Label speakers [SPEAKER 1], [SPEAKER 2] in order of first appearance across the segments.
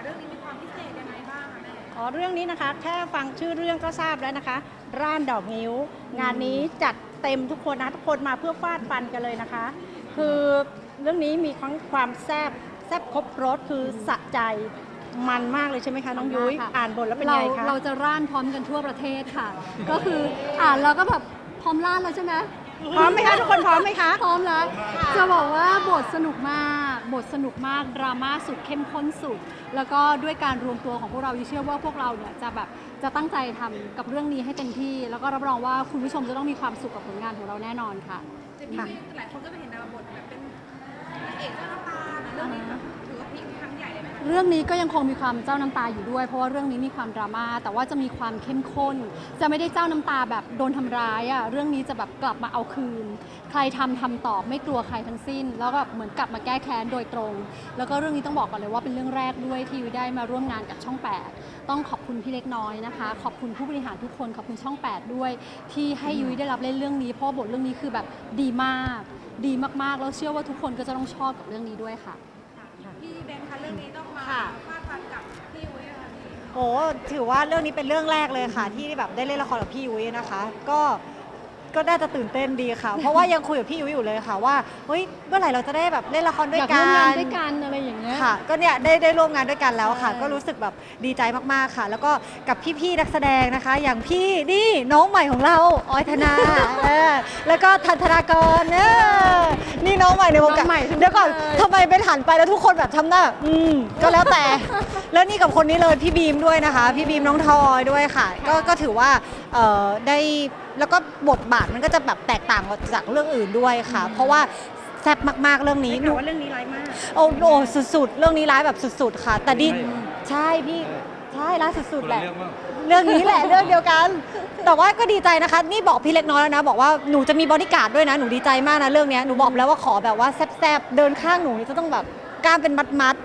[SPEAKER 1] เรื่องนี้มีความพิเศษยังไงบ้างคะแม่
[SPEAKER 2] อ๋อเรื่องนี้นะคะแค่ฟังชื่อเรื่องก็ทราบแล้วนะคะร่านดอกงิ้วงานนี้จัดเต็มทุกคนนะทุกคนมาเพื่อฟาดฟันกันเลยนะคะ คือเรื่องนี้มีทั้งความแซ่บครบรสคือสะใจมันมากเลยใช่ไหมคะน้องยุ้ยอ่านบทแล้วเป็นไงคะ
[SPEAKER 3] เราจะร่านพร้อมกันทั่วประเทศค่ะ ก็คืออ่านแล้วก็แบบพร้อมร่านแล้วใช่ไหม
[SPEAKER 2] พร้อมไหมคะทุกคนพร้อมไหมคะ
[SPEAKER 3] พร้อมแล้วจะบอกว่าบทสนุกมากดราม่าสุดเข้มข้นสุด แล้วก็ด้วยการรวมตัวของพวกเราเชื่อว่าพวกเราเนี่ยจะแบบจะตั้งใจทำกับเรื่องนี้ให้เต็มที่ แล้วก็รับรองว่าคุณผู้ชมจะต้องมีความสุขกับผลงานของเราแน่นอนค่ะ
[SPEAKER 1] หลายคนก็ไปเห็นดาวบทแบบเป็นนางเอกเจ้าน้ำตานะเรื่องนี้แบบถือว่าพลิกครั้งใหญ่เลยไหมคะ
[SPEAKER 3] เรื่องนี้ก็ยังคงมีความเจ้าน้ำตาอยู่ด้วยเพราะว่าเรื่องนี้มีความดราม่าแต่ว่าจะมีความเข้มข้นจะไม่ได้เจ้าน้ำตาแบบโดนทำร้ายอ่ะเรื่องนี้จะแบบกลับมาเอาคืนใครทำตอบไม่กลัวใครทั้งสิ้นแล้วก็เหมือนกลับมาแก้แค้นโดยตรงแล้วก็เรื่องนี้ต้องบอกก่อนเลยว่าเป็นเรื่องแรกด้วยที่ได้มาร่วมงานกับช่อง 8ต้องขอบคุณพี่เล็กน้อยนะคะขอบคุณผู้บริหารทุกคนขอบคุณช่อง 8ด้วยที่ให้ยุ้ยได้รับเล่นเรื่องนี้เพราะบทเรื่องนี้คือแบบดีมากดีมากๆแล้วเชื่อว่าทุกคนก็จะต้องชอบกับเรื่องนี้ด้วยค่ะ
[SPEAKER 1] พี่แบงค์คะเรื่องนี้ต้องมาฟาดฟันกับพี่ยุ้ยอะไรนี้
[SPEAKER 4] โอ้ถือว่าเรื่องนี้เป็นเรื่องแรกเลยค่ะที่แบบได้เล่นละครกับพี่ยุ้ยนะคะก็น่าจะตื่นเต้นดีค่ะ เพราะว่ายังคุยกับพี่ยุ้ยอยู่เลยค่ะว่าเฮ้ยเมื่อไหร่เราจะได้แบบเล่นละครด้วยกัน
[SPEAKER 3] อยากร่วมงานด้วยกันอะไรอย่างเงี้ย
[SPEAKER 4] ค่ะก็เนี่ยได้ร่วมงานด้วยกันแล้วค่ะก็รู้สึกแบบดีใจมากๆค่ะ แล้วก็กับพี่ๆนักแสดงนะคะ อย่างพี่นี่น้องใหม่ของเราออยธนาแล้วก็ทันธนากรนี่น้องใหม่ในวงการเดี๋ยวก่อนทำไมเป็นหันไปแล้วทุกคนแบบทำหน้าก็แล้วแต่ แล้วนี่กับคนนี้เลยพี่บีมด้วยนะคะพี่บีมน้องทอยด้วยค่ะก็ถือว่าได้แล้วก็บทบาทมันก็จะแบบแตกต่างจากเรื่องอื่นด้วยค่ะ เพราะว่าแซ่บมากๆเรื่องนี้
[SPEAKER 2] หนูว่าเรื่องนี้ร้ายมาก
[SPEAKER 4] โอ้โหสุดๆเรื่องนี้ร้ายแบบสุดๆค่ะแต่ดีใช่พี่ใช่ร้ายสุดๆแหละเรื่องนี้แหละเรื่องเดียวกัน แต่ว่าก็ดีใจนะคะนี่บอกพี่เล็กน้อยแล้วนะบอกว่าหนูจะมีบอดี้การ์ดด้วยนะหนูดีใจมากนะเรื่องนี้หนูบอกแล้วว่าขอแบบว่าแซ่บๆเดินข้างหนูนี่จะต้องแบบกล้ามเป็นมัด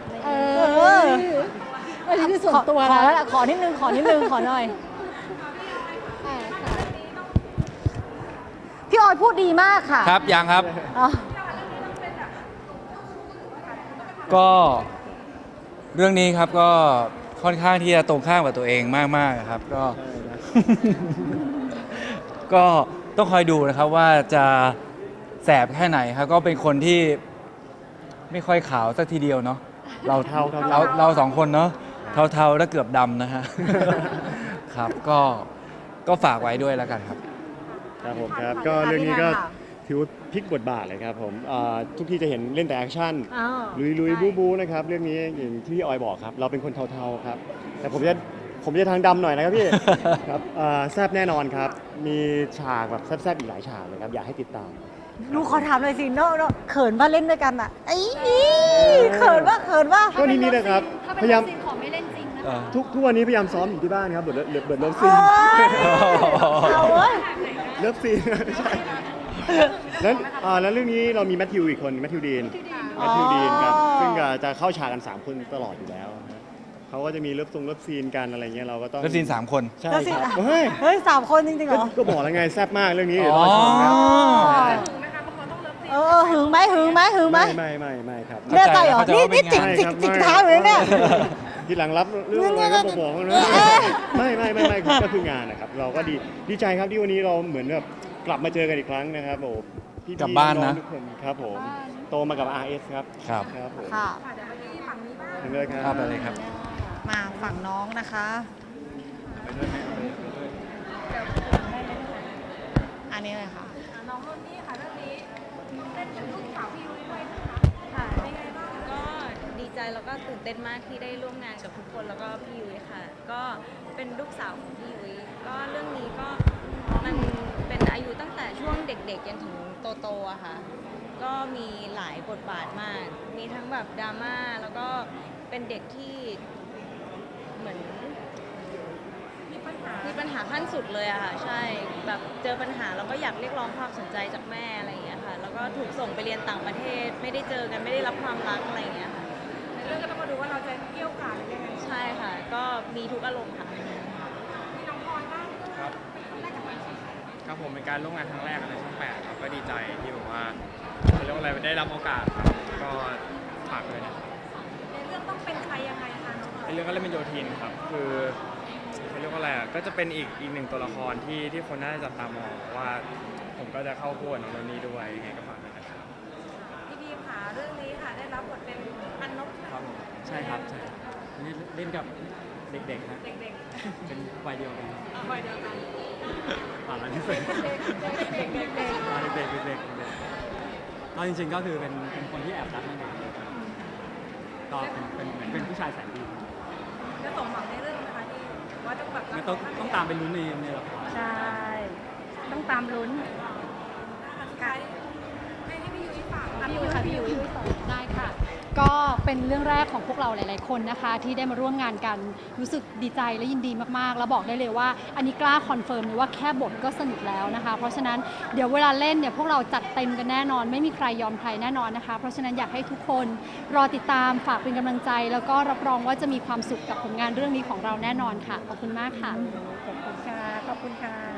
[SPEAKER 3] อันนี้คือส่วนตัว
[SPEAKER 4] ขอ
[SPEAKER 3] นะ
[SPEAKER 4] แล้วขอนิดนึงขอหน่อยพี่ออยพูดดีมากค่ะ
[SPEAKER 5] ครับยังครับ ก็เรื่องนี้ครับก็ค่อนข้างที่จะตรงข้ามกับตัวเองมากๆครับก็ ก็ต้องคอยดูนะครับว่าจะแสบแค่ไหนครับก็เป็นคนที่ไม่ค่อยขาวสักทีเดียวเนาะเราสองคนเนาะเทาๆและเกือบดำนะฮะ ครับก็ฝากไว้ด้วยแล้วกันครับ
[SPEAKER 6] ครับผมครับก็เรื่องนี้ก็ถือว่าพลิกบทบาทเลยครับผมทุกที่จะเห็นเล่นแต่แอคชั่นลุยบู๊นะครับเรื่องนี้อย่างที่พี่ออยบอกครับเราเป็นคนเทาๆครับแต่ผมจะทางดำหน่อยนะครับพี่ ครับแซ่บแน่นอนครับมีฉากแบบแซ่บๆอีกหลายฉากเลยครับอยากให้ติดตาม
[SPEAKER 4] หนูขอถามเลยสิเนาะเขินว่าเล่นด้วยกันอ่ะไอ้เขินว่า
[SPEAKER 6] ก็นี่นะครับพยายาม
[SPEAKER 3] ขอไม่เล่นจริงนะคะ
[SPEAKER 6] ทุกวันนี้พยายามซ้อมอยู่ที่บ้านครับเบิร์ดเลิฟซีนเลิฟซีนใช่แล้วเรื่องนี้เรามีแมทธิวอีกคนแมทธิวดีนครับซึ่งจะเข้าฉากกัน3คนตลอดอยู่แล้วเขาก็จะมีเลิฟซีนกันอะไรเงี้ยเราก็ต้อง
[SPEAKER 5] เลิฟซีน3 คน
[SPEAKER 6] ใช่ครับ
[SPEAKER 4] เฮ้ย3 คนจริงๆเหรอ
[SPEAKER 6] ก็บอกแล้วไงแซ่บมากเรื่องนี้เดี๋ยวรอชมครับ
[SPEAKER 4] หึงไหม
[SPEAKER 6] ไม่ครับ
[SPEAKER 4] แน่ใจเหรอนี่จิกเท้าอยู่เลยเนี่ย
[SPEAKER 6] ทีหลังรับเรื่องอะไรก็บอกนะไม่ก็คืองานนะครับเราก็ดีใจครับที่วันนี้เราเหมือนแบบกลับมาเจอกันอีกครั้งนะครับโอ้พี่
[SPEAKER 5] กลับบ้านนะ
[SPEAKER 6] ทุกคนครับผมโตมากับ RS ครับครับผม
[SPEAKER 4] ค่ะ
[SPEAKER 6] เห็นเลย
[SPEAKER 5] ครับไปเลยครับ
[SPEAKER 4] มาฝั่งน้องนะคะอันนี้เลยค่ะ
[SPEAKER 1] น้องรุ่นนี้ค่ะเรื่องนี้เป็นลูกสาวพี่ยุ้ยด้วยนะคะ
[SPEAKER 7] ค่ะ
[SPEAKER 1] เป็นไงบ้าง
[SPEAKER 7] ก็ดีใจแล้วก็ตื่นเต้นมากที่ได้ร่วมงานกับทุกคนแล้วก็พี่ยุ้ยค่ะก็เป็นลูกสาวของพี่ยุ้ยก็เรื่องนี้ก็มันเป็นอายุตั้งแต่ช่วงเด็กๆจนถึงโตๆอะค่ะก็มีหลายบทบาทมากมีทั้งแบบดราม่าแล้วก็เป็นเด็กที่เหมือนมีปัญหาขั้นสุดเลยอะค่ะใช่แบบเจอปัญหาแล้วก็อยากเรียกร้องความสนใจจากแม่อะไรอย่างเงี้ยค่ะแล้วก็ถูกส่งไปเรียนต่างประเทศไม่ได้เจอกันไม่ได้รับความรักอะไรอย่างเงี้ยค่ะ
[SPEAKER 1] ในเรื่องก็ต้องมาดูว่าเราจะเกี่ยวกาดหรือยังไง
[SPEAKER 7] ใช่ค่ะก็มีทุกอารมณ์ค่ะ
[SPEAKER 1] ที่น้องพลอยบ้าง
[SPEAKER 8] ครับครับผมเป็นการร่วมงานครั้งแรกในช่อง 8ครับก็ดีใจที่แบบว่าเรียกว่าอะไรได้รับโอกาสครับก็ฝากเลยนะ
[SPEAKER 1] ในเรื่องต้องเป็นใครยังไงคะน้องพลอย
[SPEAKER 8] เป็นเรื่องก็เล่นเป็นโยธินครับคือเขาเรียกว่าอะไรอ่ะก็จะเป็นอีกหนึ่งตัวละครที่คนน่าจะจับตามองว่าผมก็จะเข้าคู่กับน้องโนนี่ด้วยยังไงก็ฝากด้วยนะครับ
[SPEAKER 1] พี่บีมค่ะเรื่องนี้ค่ะได้รับบทเป็นอันนบ
[SPEAKER 9] ครับผมใช่ครับใช่อันนี้เล่นกับเด็กๆนะ
[SPEAKER 1] เด็ก
[SPEAKER 9] เป็นวัยเดียวกันครับ
[SPEAKER 1] ๆวัยเดียวกัน
[SPEAKER 9] อ่านแล้วที่สุด
[SPEAKER 1] เด็กๆ
[SPEAKER 9] เด็กๆก็จริงๆก็คือเป็นคนที่แอบรักนั่นเองครับก็เป็นเหมือนเป็นผู้ชายแสนดี
[SPEAKER 1] จะสมหวังในเรื่องนะคะที่ว่าต้องแบบ
[SPEAKER 9] งั้นต้องตามไปลุ้นในละคร
[SPEAKER 2] ใช่ ต้องตามลุ้น
[SPEAKER 1] สุดท้ายให้พี่ยุ้ยฝาก
[SPEAKER 3] พี่ยุ้ยค่ะพี่ยุ้ยได้ค่ะ ก็เป็นเรื่องแรกของพวกเราหลาย ๆ คนนะคะ ที่ได้มาร่วมงานกันรู้สึกดีใจและยินดีมาก ๆ แล้วบอกได้เลยว่าอันนี้กล้าคอนเฟิร์มเลยว่าแค่บทก็สนุกแล้วนะคะ เพราะฉะนั้นเดี๋ยวเวลาเล่นเนี่ยพวกเราจัดเต็มกันแน่นอน ไม่มีใครยอมใครแน่นอนนะคะ เพราะฉะนั้นอยากให้ทุกคนรอติดตามฝากเป็นกำลังใจ แล้วก็รับรองว่าจะมีความสุขกับผลงานเรื่องนี้ของเราแน่นอนค่ะขอบคุณมากค่ะ
[SPEAKER 2] ขอบคุณค่ะ ขอบคุณค่ะ